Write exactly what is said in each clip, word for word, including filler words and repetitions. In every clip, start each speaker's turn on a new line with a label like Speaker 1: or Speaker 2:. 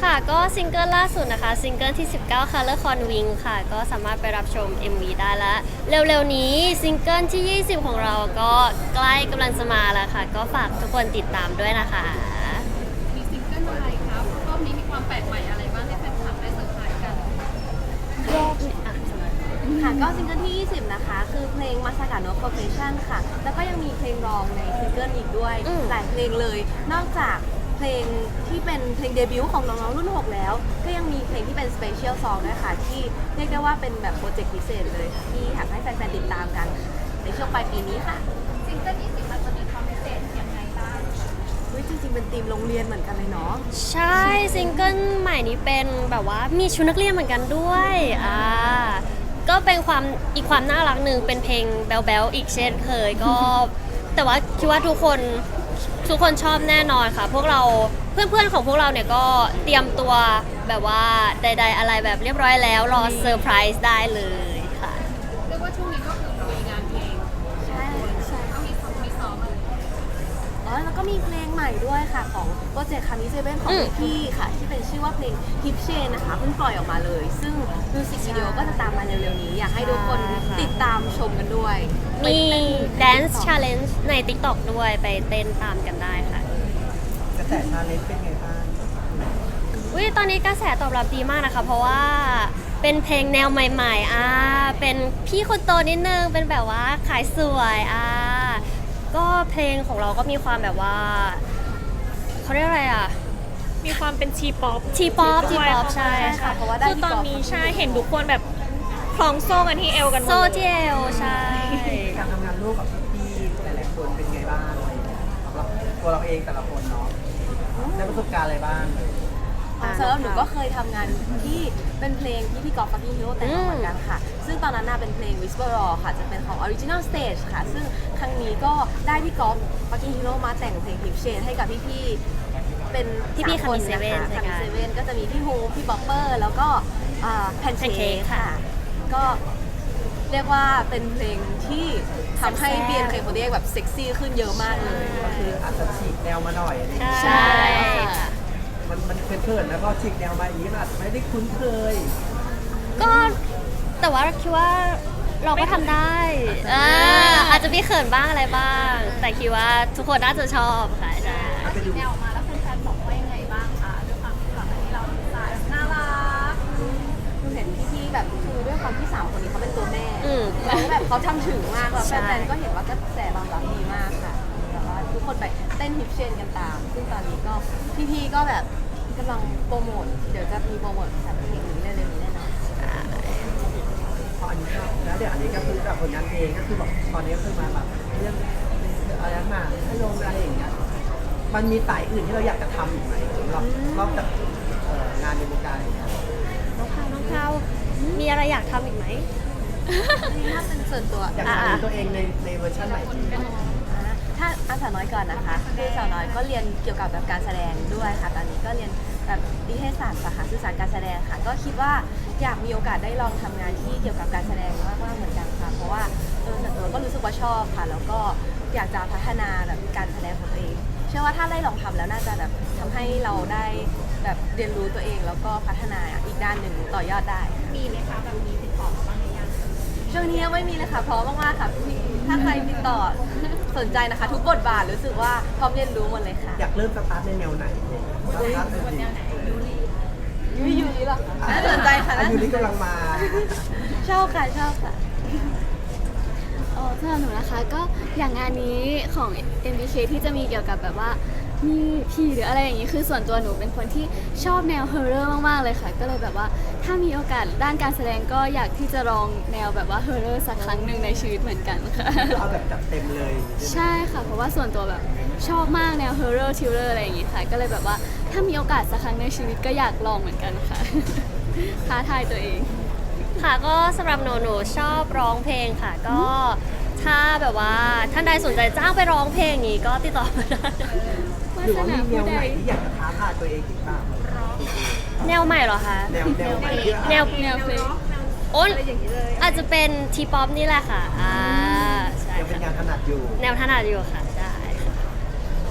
Speaker 1: ค่ะก็ซิงเกิลล่าสุดนะคะซิงเกิลที่สิบเก้า Color Con Wing ค่ะก็สามารถไปรับชม เอ็ม วี ได้แล้วเร็วๆนี้ซิงเกิลที่ยี่สิบของเราก็ใกล้กำลังจะมาแล้วค่ะก็ฝากทุกคนติดตามด้วยนะคะ
Speaker 2: มีซิงเกิลอะไรครับรอบนี้มีความแปลกใหม่อะไรบ้างให้แฟนคลับได้เซอร์ไพรส์กัน
Speaker 1: รอบนี้อ่ะ
Speaker 3: ค่ะก็ซิงเกิลที่ยี่สิบนะคะคือเพลง Masaka no Profession ค่ะแล้วก็ยังมีเพลงรองในซิงเกิลอีกด้วยหลายเพลงเลยนอกจากเพลงที่เป็นเพลงเดบิวต์ของน้องๆรุ่นหกแล้วก็ยังมีเพลงที่เป็น Special Song ด้วยค่ะที่เรียกได้ว่าเป็นแบบโปรเจกต์พิเศษเลยที่อยากให้แฟนๆติดตามกันในช่วงปลายปีนี้ค่ะ
Speaker 2: ซิงเกิลยี่สิบมันจะมีความพิเศษยังไงบ้าง
Speaker 3: อุ๊ยจริงๆเป็นธีมโรงเรียนเหมือนกันเลยเนาะ
Speaker 1: ใช่ซิงเกิลใหม่นี้เป็นแบบว่ามีชุดนักเรียนเหมือนกันด้วยอ่าก็เป็นความอีกความน่ารักหนึ่งเป็นเพลงแบ๊วๆอีกเช่นเคยก็ แต่ว่าคิดว่าทุกคนทุกคนชอบแน่นอนค่ะพวกเราเพื่อนๆของพวกเราเนี่ยก็เตรียมตัวแบบว่าใดๆอะไรแบบเรียบร้อยแล้วรอเซอร์ไพรส์ได้เลยค่ะ
Speaker 2: เรียกว่าช่วงนี้ก็คือลุยงานเพลง
Speaker 3: ใช่ใช่
Speaker 2: ก็มีซ้อมมีซ้อมอะไร
Speaker 3: อ๋อแล้วก็มีเพลงใหม่ด้วยค่ะของโปรเจกต์คามิเซเว่นของพี่ค่ะที่เป็นชื่อว่าเพลง Hip Chain นะคะเพิ่งปล่อยออกมาเลยซึ่งมิวสิกวิดีโอก็จะตามมาเร็วๆนี้อยากให้ทุกคนติดตามชมกันด้วย
Speaker 1: มี Dance Challenge ใน TikTok ด้วยไปเต้นตามกันได้ค่ะ
Speaker 4: กระแสชาเลนจ์เป็นไงบ้าง
Speaker 1: อุ้ยตอนนี้กระแสตอบรับดีมากนะคะเพราะว่าเป็นเพลงแนวใหม่ๆอ่าเป็นพี่คนโตนิดนึงเป็นแบบว่าขายสวยอ่าก็เพลงของเราก็มีความแบบว่าเขาเรียกอะไรอ่ะ
Speaker 5: มีความเป็นทีป๊อป
Speaker 1: ทีป๊อปทีป๊อปใช่
Speaker 3: ค่ะเพราะว่า
Speaker 5: คือตอนนี้ใช่เห็นทุกคนแบบคล้องโซ่กันที่เอวกันหมด
Speaker 1: โซ่ที่เอวใช่
Speaker 4: การทำงานร่วมกับพี่ๆหลายๆคนเป็นไงบ้างอะไรอย่างเงี้ยสำหรับตัวเราเองแต่ละคนเนาะได้ประสบการณ์อะไรบ้าง
Speaker 3: สำหรับหนูก็เคยทำงานที่เป็นเพลงที่พี่กอล์ฟฟักกิ้งฮีโร่แต่งเหมือนกันค่ะซึ่งตอนนั้นน่ะเป็นเพลง Whisper Raw ค่ะจะเป็นของ Original Stage ค่ะซึ่งครั้งนี้ก็ได้พี่กอล์ฟฟักกิ้งฮีโร่มาแต่งเพลง Hip Chain ให้กับพี่ๆเป็น
Speaker 1: พี่ๆ
Speaker 3: คนนะคะคามิเซเว่นก็จะมีพี่ฮูพี่บ๊อปเปอร์แล้วก็แพนเค้กค่ะก็เรียกว่าเป็นเพลงที่ทำให้ บี เอ็น เค โฟร์ตี้เอท แบบเซ็กซี่ขึ้นเยอะมากเลย
Speaker 4: ก็คืออาจจะฉีกแนวมาหน่อย
Speaker 1: ใช่
Speaker 4: มันมันเขินๆแล้วก็ฉีกแนวมาอีกอาจจะไม่ได้คุ้นเคย
Speaker 1: ก็แต่ว่าคิดว่าเราก็ทำได้อาจจะมีเขินบ้างอะไรบ้างแต่คิดว่าทุกคนน่าจะชอบค่ะใช่
Speaker 2: ฉีกแนวออกมาแล้วแฟนๆบอกว่ายังไงบ้างคะด้วยความที่ก่อนหน้านี้เราสายน่ารัก
Speaker 3: คือเห็นพี่ๆแบบคือด้วยความที่สามคนนี้เขาเป็นตัวแม่แล้วแบบเขาทำถึงมากแล้วแฟนๆก็เห็นว่ากระแสตอบรับดีมากค่ะแต่ว่าทุกคนไปเต้นฮิปเชนกันตามซึ่งตอนนี้ก็พี่ๆก็แบบกำลังโปรโมทเดี๋ยวจะมีโปรโมทแเพลงนี้เร็วๆนี้แน่นอน
Speaker 4: พออันนี้ก็แล้วเดี๋ยวอันนี้ก็คือแบบผลงานเพลงก็คือแบบตอนนี้คือมาแบบเรื่องอะไรมาให้ลงอะไรอย่างเงี้ยมันมีสายอื่นที่เราอยากจะทำอีกไหมนอกนอกจากงานในวงการอย่างเงี้ย
Speaker 1: น้องพาวน้องพาวมีอะไรอยากทำอีกไหม
Speaker 3: ถ้าเป็นส่วนตัว
Speaker 4: อยากทำตัวเองในในเวอร์ชันใหม่
Speaker 3: ถ้าอาสาน้อยก่อนนะคะคือสาวน้อยก็เรียนเกี่ยวกับแบบการแสดงด้วยค่ะตอนนี้ก็เรียนแบบนิเทศศาสตร์สาขาสื่อสารการแสดงค่ะก็คิดว่าอยากมีโอกาสได้ลองทำงานที่เกี่ยวกับการแสดงมากๆเหมือนกันค่ะเพราะว่าเออส่วนตัวก็รู้สึกว่าชอบค่ะแล้วก็อยากจะพัฒนาแบบการแสดงของตัวเองเชื่อว่าถ้าได้ลองทำแล้วน่าจะแบบทำให้เราได้แบบเรียนรู้ตัวเองแล้วก็พัฒนาอีกด้านหนึ่งต่อยอดได้
Speaker 2: มีไหมคะแบบมีติดต่อบ้างหรือยัง
Speaker 3: ช่วงนี้ยังไม่มีเลยค่ะพร้อมมากๆค่ะถ้าใครติดต่อสนใจนะคะทุกบทบาทรู้สึกว่าพร้อมเรียนรู้หมดเลยค่ะ
Speaker 4: อยากเริ่มสตาร์ทในแนวไหนสตาร์ทในแนวไหน
Speaker 3: ยูริยูริหรอน่าสนใจค่ะ
Speaker 4: ยูริกำลังมา
Speaker 3: ชอบค่ะชอบค่ะ
Speaker 5: อ๋อสำหรับหนูนะคะก็อย่างงานนี้ของ เอ็ม บี เค ที่จะมีเกี่ยวกับแบบว่ามีผีหรืออะไรอย่างนี้คือส่วนตัวหนูเป็นคนที่ชอบแนวฮอร์เรอร์มากๆเลยค่ะก็เลยแบบว่าถ้ามีโอกาสด้านการแสดงก็อยากที่จะลองแนวแบบว่าฮอร์เรอร์สักครั้งหนึ่งในชีวิตเหมือนกันค่ะ
Speaker 4: เอาแบบจัดเต็มเลย
Speaker 5: ใช่ค่ะเพราะว่าส่วนตัวแบบชอบมากแนวฮอร์เรอร์ทิลเลอร์อะไรอย่างนี้ค่ะก็เลยแบบว่าถ้ามีโอกาสสักครั้งในชีวิตก็อยากลองเหมือนกันค่ะท้าทายตัวเอง
Speaker 1: ค่ะก็สำหรับหนูหนูชอบร้องเพลงค่ะก็ถ้าแบบว่าท่านใดสนใจจ้างไปร้องเพลงนี้ก็ติดต่อมาได้
Speaker 4: หรือว่ามีแนวไหนที่อยากจะท้าทายตัวเองอีกบ้าง
Speaker 1: แนวใหม่เหรอคะ
Speaker 4: แนวแนวใหม่
Speaker 1: แนวแนวเพลงโอ้อาจจะเป็นทีป๊อปนี่แหละค่ะอ่า
Speaker 4: ใช่เป็นงานถนัดอยู่
Speaker 1: แนวถนัดอยู่ค่ะใช่
Speaker 4: ค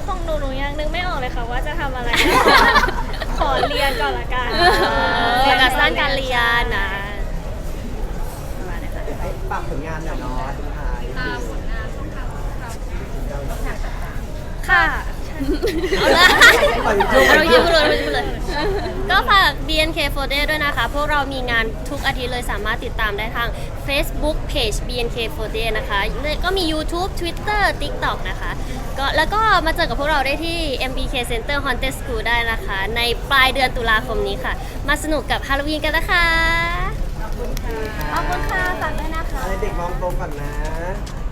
Speaker 6: ของหนูหนูยังนึกไม่ออกเลยค่ะว่าจะทำอะไร ขอเรียนก่อนละกัน
Speaker 1: โฟกัสด้านการเรียนนะประมาณนี้ค่ะ
Speaker 4: ไอ้ฝากผลงานหน่อยเนาะสุดท้าย
Speaker 2: ตามผลงานช่องทางของเรา
Speaker 1: ค่ะเอาละ
Speaker 4: ปล่อย
Speaker 1: เรายิ้มเลยเรายิ้มเลย ก็ฝาก บี เอ็น เค โฟร์ Day ด้วยนะคะ พวกเรามีงานทุกอาทิตย์เลยสามารถติดตามได้ทาง Facebook Page บี เอ็น เค โฟร์ Day นะคะแล้วก็มี YouTube Twitter TikTok นะคะก็แล้วก็มาเจอกับพวกเราได้ที่ เอ็ม บี เค Center Haunted School ได้นะคะ ในปลายเดือนตุลาคมนี้ค่ะ มาสนุกกับฮาโลวีนกันนะคะ
Speaker 3: ขอบคุณค่ะฝากด้วยนะคะ
Speaker 4: อะไรเด็กมองตรงก่อนนะ